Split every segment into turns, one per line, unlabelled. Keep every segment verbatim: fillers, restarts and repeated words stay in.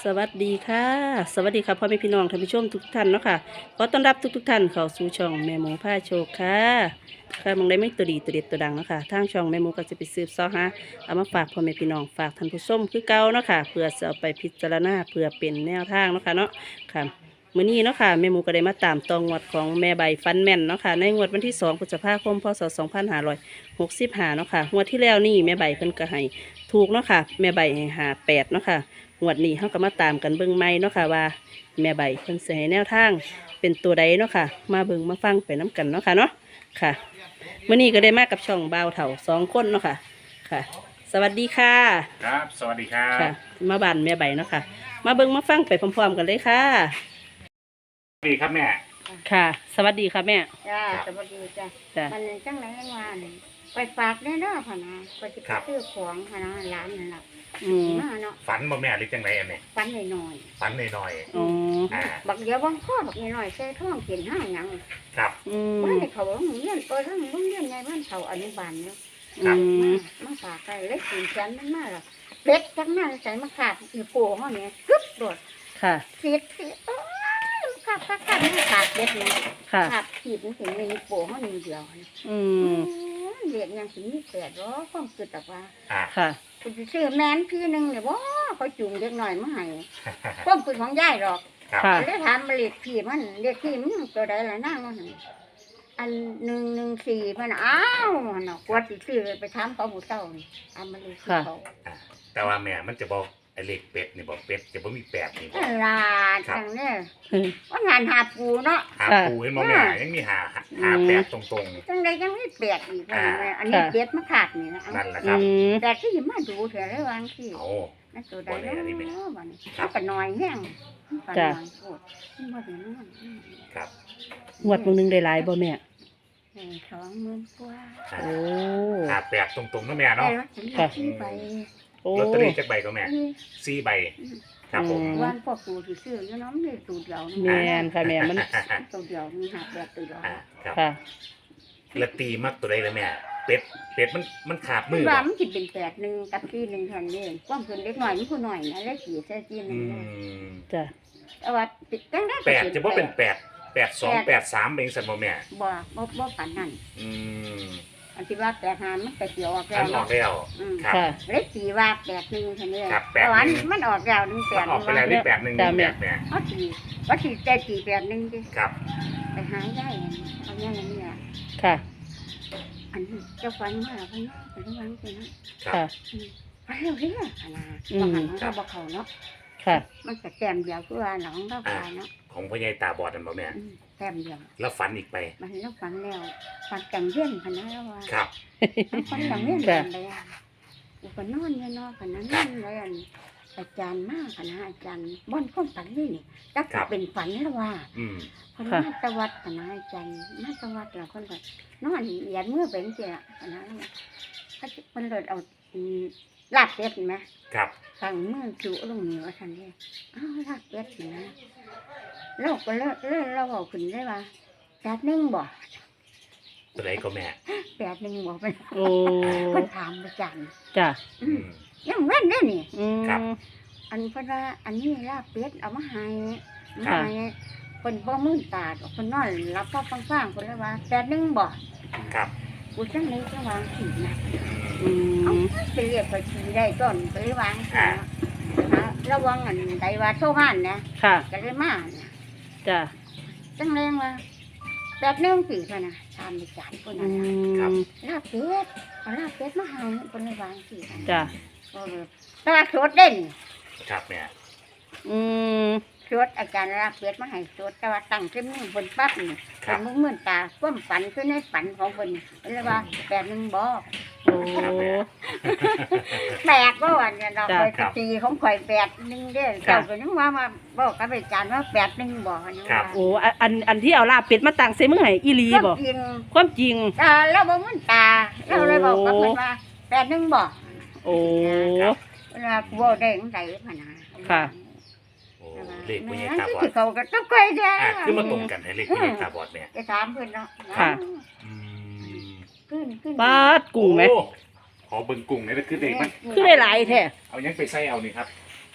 สวัสดีค่ะสวัสดีค่ะพ่อแม่พี่น้องท่านผู้ชมทุกท่านเนาะค่ะขอต้อนรับทุกทุกท่านเข้าสู่ช่องแม่หมูผ้าโชคค่ะค่ะมองได้ไม่ตัวดีตัวเด็ดตัวดังเนาะค่ะทางช่องแม่หมูก็จะไปสืบเสาะหาเอามาฝากพ่อแม่พี่น้องฝากท่านผู้ชมคือเก่าเนาะค่ะเพื่อจะเอาไปพิจารณาเพื่อเป็นแนวทางเนาะค่ะเนาะค่ะมื้อนี้เนาะค่ะแม่หมูก็ได้มาตามตองงวดของแม่ใบฟันแม่นเนาะค่ะในงวดวันที่สองพฤษภาคมพศสองพันห้าร้อยหกสิบห้าเนาะค่ะงวดที่แล้วนี่แม่ใบเพิ่นก็ให้ถูกเนาะค่ะแม่ใบให้หาแปดเนาะค่ะ งวดนี้เขาก็มาตามกันเบิ่งใหม่เนาะค่ะว่าแม่ใบเพิ่นสิให้แนวทางเป็นตัวใดเนาะค่ะมาเบิ่งมาฟังไปน้กันเนาะค่ะเนาะค่ะมื้อนี้ก็ได้มากับช่องบ่าวเฒ่าสองคนเนาะค่ะค่ะ สวัสดีค่ะ
ครับสวัสดีครับ
ค่ะมาบ้านแม่ใบเนาะค่ะมาเบิ่งมาฟังไปพร้อมๆกันเลยค่ะ
สวัสดีครับแม่
ค่ะ สวัสดีค่ะแม่
จ้าสวัสดีจ้า
จ้ะ
มันจังไรว่านี่ไปฝากได้เนาะพ่อนะไปจะไปซื้อของพ่อนะร้านนั่นแหละ
อืม
มาเนาะ
ฝันบ่แม่หรือจังไรอันนี้
ฝันหน่อย
ฝันหน่อย
อ๋อ
อ่า
บักเดียวบางข้อบักหน่อยใส่ท้องกินห้าหยัง
ครับ
อืม
ว่าในเขาโรงเรียนเปิดโรงเรียนในบ้านเขาอนุบาลเนาะ
อืม
มาฝากไปเล็กสี่ชั้นมันมาละเป็ดทั้งนั้นใส่มาขาดอีโป้ห้องนี้กึ๊บโดด
ค่ะ
เสียดเสียดโอ้ยขาดขาดขาดไม่ขาดเด็ดเลย
ค่ะ
ขาดขีดมันถึงในอีโป้ห้องนี้เดียว
อืม
เรียกยังถึงมีแปดร้อยความคิดแต่ว่า
อ่า
ค่ะ
คุณจะซื้อแมนพี่หนึ่งเนี่ยว่าเขาจุ่มเล็กหน่อยมาให้ความคิดของยายหรอก
ค่ะ
แล้วถามมาเรียกพี่มันเรียกพี่มันตัวใดละนั่งมันอันหนึ่งหนึ่งสี่มันอ้าวเนาะกวดสิซื้อไปถามเขาบุเต้านี่ทำมาเรียกเขา
อ่าแต่ว่าแม่มันจะบอกไอ้เลขเป็ดนี่บอกเป็ดจะบ่มีแปดนี่บอก
ลาจังเนี่ยว่างานหาปูเนาะ
หาปูเห็นบ่แม่ยังมีหาหาแปดตรง
จังใดจังไม่เปียกอีกอันนี้เปียกมาขาดนี่นะ
ๆนั่นแหละครับ
แต่ที่มาดูเถอะระวังที่
โอ้
นั่นตัวใดเนาะวันนี้เขาก็น้อยแห้ง
จ้ะ
ครับ
งวดมื้อนึงได้หลายบ่แม่
สองหมื่นกว่า
โอ้
หาแปดตรงๆนะแม่เนาะ
ค่ะใบ
ลอตเตอรี่จักใบก็แม่สี่ใบครับผม
วันพวกตูที่ซื้ออยู่น้ำนี่ตูเดียว
แม่นค่ะแม่มัน
ตูเดียวมีหาแบบตูเดียว
ค่ะละตีมักตัวใดเลยแม่เป็ดเป็ดมันมันขาดมือ
ว่ามันคิดเป็นแปดหนึ่งกับที่หนึ่งแทนนี่ความเพิ่นเล็กหน่อยมันผู้หน่อยนะแล้วขี่ใส่ที่หนึ่ง
จ้ะ
แต่ว่าตั้งได้
แปดจะว่าเป็นแปดแปดสองแปดสามเองสันโมแม่
บ่บ่บ่ปันนั่น
อืม
อันที่ว่าแปดหามันแต่เกี่ยวออกแล้
วออกแล้ว
ครับเล็กสี่ว่าแปดหนึ่งแค่นี้
แต่ว่า
มันออกแล้วหนึ่งแปด
ออกไปแล้วนี่แปดหนึ่งแปดเนี่ย
เขาสี่ว่าสี่แต่สี่แปดหนึ่งดิ
ครับ
ไปหาได้เอาอย่างนี้อ่ะ
ค่ะ
อันเจ้าฟันมาพันไประวังไปนะ
ค่ะ
ไปเร็วเรื่อยขนาดบางหันเขาบอกเขาเนาะ
ค่ะ
มันจะแต้มเดียวคือว่าหลังเราตายเนาะ
ของพ่อใหญ่ตาบอดนั่นบ่แม่
แต้มเดียว
แล้วฝันอีกไป
มันแล้วฝันแล้วฝันจังเวียนขนาดว่า
ครับ
ฝันจังเวียนกันเลยอุปนอนเนี่ยเนาะขนาดนั้นเลยอาจารย์มากขนาดอาจารย์บ่อนก้นฝันนี่จักเป็นฝันแล้วว่าคนมาตวัดขนาดอาจารย์มาตวัดแล้วคนก็นอนเหยียดมือเป็นเจ้าขนาดนั้นเขาคนเลยเอาลาบเป็ดไหม
ครับ
สั่งมือจุลงเหนือทันทีอ้าวลาบเป็ดนะเราก็เลิกเลิกเราบอกขึ้นได้ว่าแปดหนึ่งบ่
ตัวไหนก็แม่
แปดหนึ่งบ่ไป
โอ้
คนถามประจัน
จ้ะ
ยังเว้นได้นี่
ครับ
อันเพราะว่าอันนี้ลาบเป็ดเอามาให้ให้คนบ่มือตาคนนอนรับพ่อฟังฟังคนเลยว่าแปดหนึ่งบ่
ครับ
กูจังเลยจะวางขีดนะเอาไปเรียกไปขีดได้ต้นไปวางขีดนะระวังอันใดว่าโชว์บ้านนะก็เลยมา
จ้ะ
จังเลยว่าแปดหนึ่งสี่คนนะทำไปจานคนนั้น
ครับ
ลาบเป็ดเอาลาบเป็ดมาให้คนเลยวางขีด
จ้ะ
แต่ว่าสดเด่น
ครับแม่
อืม
สดอาจารย์ลาบเป็ดมาให้สดแต่ว่าตั้งขึ้นมือบนปั๊บนี่เป็นมือมือตาก้มฝันขึ้นในฝันของคนเลยว่าแปดหนึ่งบ่
โอ้
แปดบ่วันเนี่ยเราเคยตีของข่อยแปดหนึ่งเด้อเจ้าก็นึกว่ามาบอกกับอาจารย์ว่าแปดหนึ่งบ่เนี่ยว่า
โอ้อันอันที่เอาลาบเป็ดมาตั้งใส่มือให้อีหลีบ่ความจริง
อ่าแล้วบ่มือตาเราเลยบอกกับเพิ่นว่าแปดหนึ่งบ่
โอ้
เวลาบ่ได้จังได๋พะนะ
ค่ะ
เลขผู้ใหญ่ตาบอด
เขาก็ต้องค่อยจ้า
คือมาตรงกันให้เลขผู้ใหญ่ตาบอดแม่
จะถามเพิ่นเนาะ
ค่ะ
ขึ้นขึ้น
ปาดกุ้งไหม
ขอเบิ่งกุ้งนี่คือเด็กมัน
คือได้หลายแท้
เอายังไปใส่เอานี่ครับโอ้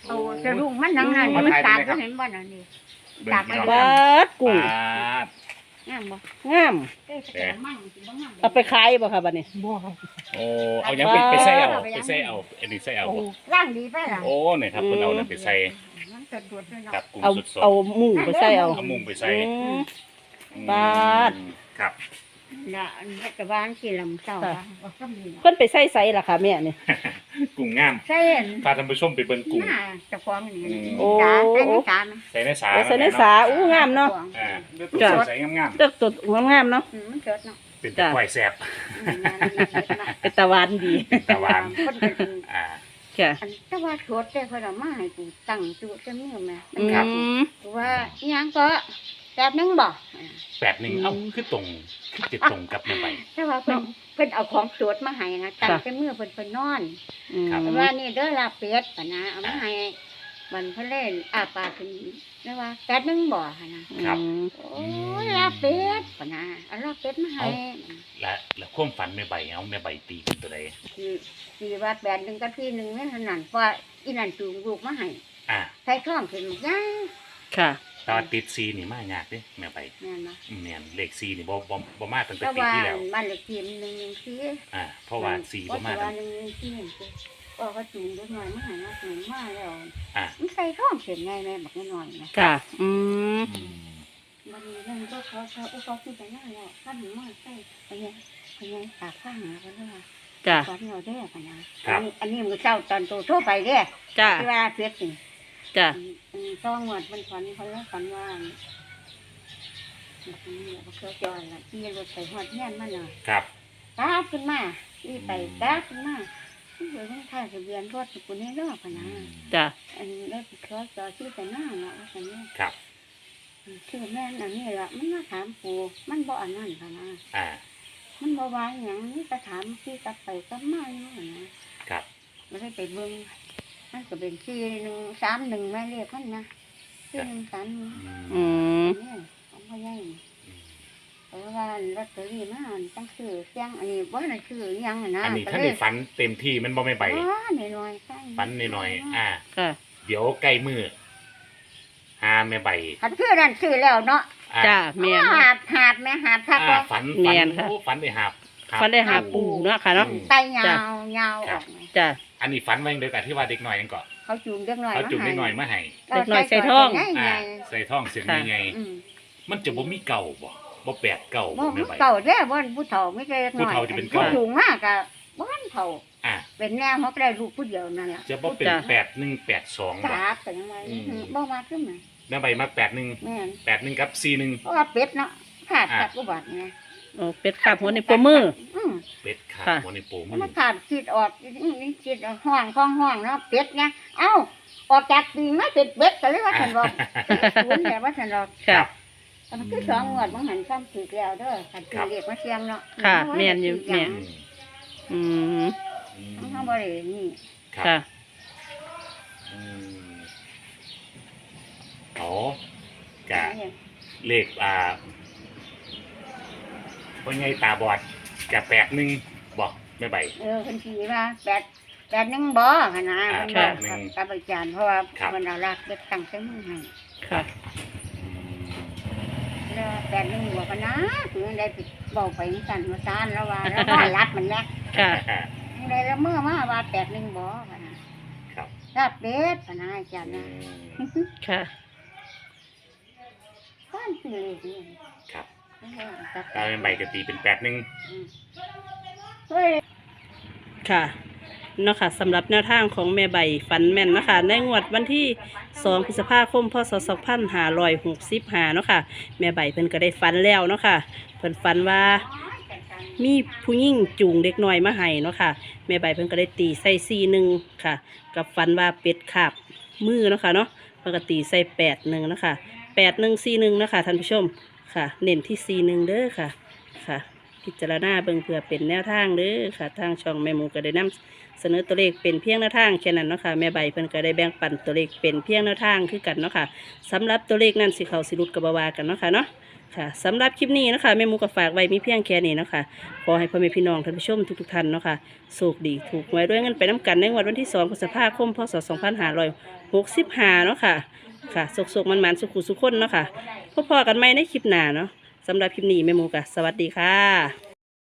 เอาสะดุ้งมันนั่งนั่น
อืม
มันตาก
มาถ่ายได้ไหมครับ
ก็เห็นบ่นั่นนี่
เบิ่ง
ตาก
พี่น้อง
ไว้
บาดกุ้ง
ปาด
งามบ่
งาม
เอ้ยแต่มันสิบ่งาม
เอาไปขายบ่ค่ะบัดนี้
บ่ครับ
โอ้เอายังไปไปใส่เอา
เอาไป
ไป
ยัง
ใส่เอาอันนี้ใส่เอา
โอ้ร่างดีไปล่ะ
โอ้เนี่ยครับเพิ่นเอาเนี่ยไปใส่
มันเกิดดวดด้วยเนาะ
กับกุ้ง
เอา
สด
เอาหมูไปใส่เอา
ๆเอามุงไปใส่
อืม
อืม
ปาด
ครับ
น่ะอันนี้ก็บ้านที่ลำเจ้า
ค่ะ
ว่าบ่ต้องมีเนาะ
เพิ่นไปใส่ไสล่ะค่ะแม่นี่
กุ้งงาม
ใช่อัน
พาท่านผู้ชมไปเบิ่งกุ้ง
หน้าเจ้าของนี่
อืม
โอ้
จ้าใส่ในจานนะ
ใส่ในสา
เอาใส่ในสาอู้งามเนาะ
อ่าเลือดตัว
จ้ะ
ใส่งาม
เลือกตัวงามๆเนาะ
อืมมันเกิดเนาะ
ๆเป็นตะไคร่แซ่บ
อืมนั่นนี่เกิดเนาะ
เป็นตะวันดี
ตะวัน
คนเป็น
อ่า
ค่ะ
อันแต่ว่าโทษแต่เพิ่นเอามาให้กูตั้งจุแต่มือแม่มัน
อื
ครับ
ม
ว่าอิหยังก็แบบนึงบ่
แปดหนึ่งเอ้าคือตรงคือจะตรงกับในใบ
แต่ว่าเพิ่นเพิ่นเอาของตรวจมาให้นะตั้ง
ค่ะ
แต่มือเพิ่นเพิ่นนอน
อืม
ครับ
ว่านี่เด้อลาเป็ดปะนะเอามาให้มันเพิ่นเล่นอาปากขึ้นแล้วว่าแปดนึงบ่หั่นนะ
ครับ
โอ้ยลาเป็ดปะนะเอาลาเป็ดมาให้
และและความฝันในใบเอาในใบตีเป็นตัวใด
คือคือว่าแปดนึงกับพี่นึงนั่นเท่านั้นเพราะว่าอีนั่นจูงลูกมาให้
อ่า
ใส่ท้องขึ้นมาย่าง
ค่ะ
ตอนติดซีนี่มากยากเด้แม่ใบ
แม่นบ่
อืมเนี่ยเลขซีนี่บ่บ่บ่มาตั้งแต่
แต่
ปี
ว่า
ที่แล้ว
บ้านเลขที่มันหนึ่งหนึ่งสี่
อ่าเพราะว่าซีบ่มา
แต่
ตั้
ว่าง หนึ่งหนึ่งสี่นี่คือก็ก็จูงเล็กน้อยมาให้นะจูงมาแล้ว
อ่า
มันใส่ท้องเสียงไงแม่บักน้อยๆนะ
ค่ะ อืม
อืม
มันมีเรื่องก็เขาเขาอุปกรณ์ที่ไปหน้าแล้วข้ามหนูมาใส่ไปยังไปยังปากข้างหากันด้วย
จ้ะ
ตอนเราได้กันนะอันนี้อันนี้มือเช้าตอนโตทั่วไปเด้
จ้ะ
ที่ว่าเสียจริง
จ้ะ
อันนี้ต้องหมดมันฝันเขาแล้วฝันว่าอันนี้เราเคยจอยละที่รถไปหอดเงี้ยมันน่ะ
ครับ
ตาขึ้นมาที่ไปตาขึ้นมาที่เหลือต้องถ่ายทะเบียนรถสกุลนี้รอบนะ
จ้ะ
อันนี้ได้ไปเคยจอยที่แต่หน้าเนาะอันนี้
ครับ
ชื่อแม่อันนี้ละมันมาถามปูมันบ่อันนั้นค่ะนะ
อ่า
มันบ่วาอย่างนี้จะถามที่กลับไปกลับมาอยู่นะครับ ไม่ได้ไปเบิ่งมันก็เป็นสี่หนึ่งสามหนึ่งแม่เรียกมันนะสี่หนึ่งสามหนึ่ง
อื
อื
ม
ม
นี่ของพ่อใหญ่เพราะว่าลอตเตอรี่มาตั้งชื่อเสียงอันนี้บ่ได้ชื่ออิหยังอะนะ
อันนี้ท่านได้ฝันเต็มที่มันบ่ไม่ใบ
อ๋อหน่อยๆใช่
ฝันหน่อยๆอ่า
ค่ะ
เดี๋ยวใกล้มือหาแม่ใบ
คันชื่อนั่นชื่อแล้วเนาะ
อ่า
จ้ะแม่น
หาบหาบแม่หาบทัก
อ่า
ว่า
ฝัน
แม่
ฝัน
นค่ะ
โอ้ฝันได้หาบหาบ
ฟันได้หาปูเนาะค่ะเนาะ
อืม
ไตยาวยาวออกมา
จ้ะ
อันนี้ฝันไว้เดียวกันที่ว่าเด็กหน่อยนั่นก่อน
เขาจูงเด็กน้อย
เขาจุ่มเด็กหน่อยมาให้
เด็กน้อยใส่ท้อง
ให
อ่า
ญ่
ใส่ท่องเสียงใหญ่
ๆอืม
ๆมันจะบ่มีเก่าบ่บ่แปดเก่า
บ่
บ่
มั
แม่
น
ใบ
เก่าเด้อบ่นผู้เฒ่าไม่ใช่เด็กน้อย
ผู้เฒ่าจะเป็น
ผู้
เก่า
สูงมากก็บ่ทันเฒ่า
อ่า
เป็นแนวเขาก็ได้ลูกผู้เดียวนั่นแหละ
จะบ่เป็น
จ้ะ
แปดหนึ่งแปดสองบ่
สาบแต่ยังไง
อืม
บ่มาขึ้นมา
แม่ใบมาแปดหนึ่ง
แม่น
แปดหนึ่งกับสี่หนึ่ง
เพราะว่าเป็ดเนาะขาด
อ่า
จากอุบัติไง
โอ้เป็ดขาบหัวในปมือ
อืม
เป็ดขาด
ค่ะ
หัวในโปมื
มัน
อ
ขาดคิดออกอื้อนี่คิดออกห้องข้องห้องเนาะเป็ดไงเอ้าออกจากปีมาเป็นเป็ดก็เลยว่าฉันบอกศูนย์แต่ว่าฉันบอก
ค่ะ
แต่มันคือสองงวดมันหันซ้ำถือแล้วเด้อขันถือเรียกมาเสียงเนาะ
ค่ะแม่นอยู่แม่
อืม
อืม
อืม
มันทำบ่ได้นี่
ครับ
ค่ะ
อืมโอ้กะเลขอ่าว่าไงตาบอดกะแปดหนึ่งบอกแม่ใบ
เออคนขี่ว่าแปดแปดหนึ่งบ่ขนาด
อ่า
มัน
แป
บอก
ดหนึ่ง
กับอาจารย์เพราะว่า
ครับ
มันเอารักเด็กตั้งแต่มือให้
ค่ะ
แล้วแปดหนึ่งบ่กันนะถึงได้ไปบอกไปนี่กันมาซานแล้วว่าแล้วว่ารัดมันแม่
ค่ะ
ได้แล้วเมื่อมาว่าแปดหนึ่งบ่ขนาด
ครับ
รับเป็ดขนาดอาจารย์
อื
นะ
ม
ค่ะ
ข้านสื่อเลยนี่
ครับ
เออจัด
ตาแม่ใบกะตีเป็นแปดหนึ่ง
อืมเฮ้ย
ค่ะเนาะค่ะสำหรับแนวทางของแม่ใบฝันแม่นเนาะคะในงวดวันที่สองพฤษภาคมพศสองพันห้าร้อยหกสิบห้าเนาะค่ะแม่ใบเพิ่นก็ได้ฝันแล้วเนาะค่ะเพิ่นฝันว่ามีผู้หญิงจูงเด็กน้อยมาให้เนาะค่ะแม่ใบเพิ่นก็ได้ตีใส่ซีหนึ่งค่ะ กับฝันว่าเป็ดขาบมือเนาะค่ะเนาะเพิ่นก็ตีใส่แปดหนึ่งเนาะค่ะแปดหนึ่งซีหนึ่งเนาะค่ะท่านผู้ชมค่ะ เน้นที่ซีหนึ่งเด้อค่ะค่ะพิจารณาเบิ่งเพื่อเป็นแนวทางเด้อค่ะทางช่องแม่หมูก็ได้นำเสนอตัวเลขเป็นเพียงแนวทางแค่นั้นเนาะค่ะแม่ใบเพิ่นก็ได้แบ่งปันตัวเลขเป็นเพียงแนวทางคือกันเนาะค่ะสำหรับตัวเลขนั้นสิเขาสิรุดกับบาวากันเนาะค่ะเนาะค่ะสำหรับคลิปนี้เนาะคะแม่หมูก็ฝากไว้มีเพียงแค่นี้เนาะค่ะขอให้พ่อแม่พี่น้องท่านผู้ชมทุกๆท่านเนาะค่ะโชคดีถูกหวยด้วยเงินไปน้ำกันในวันที่สองพฤษภาคมพศสองพันห้าร้อยหกสิบห้าเนาะค่ะค่ะโศกๆมันๆสุขุสุขคนเนาะค่ะพบพอกันใหม่ในคลิปหน้าเนาะสำหรับคลิปนี้แม่หมูก็สวัสดีค่ะ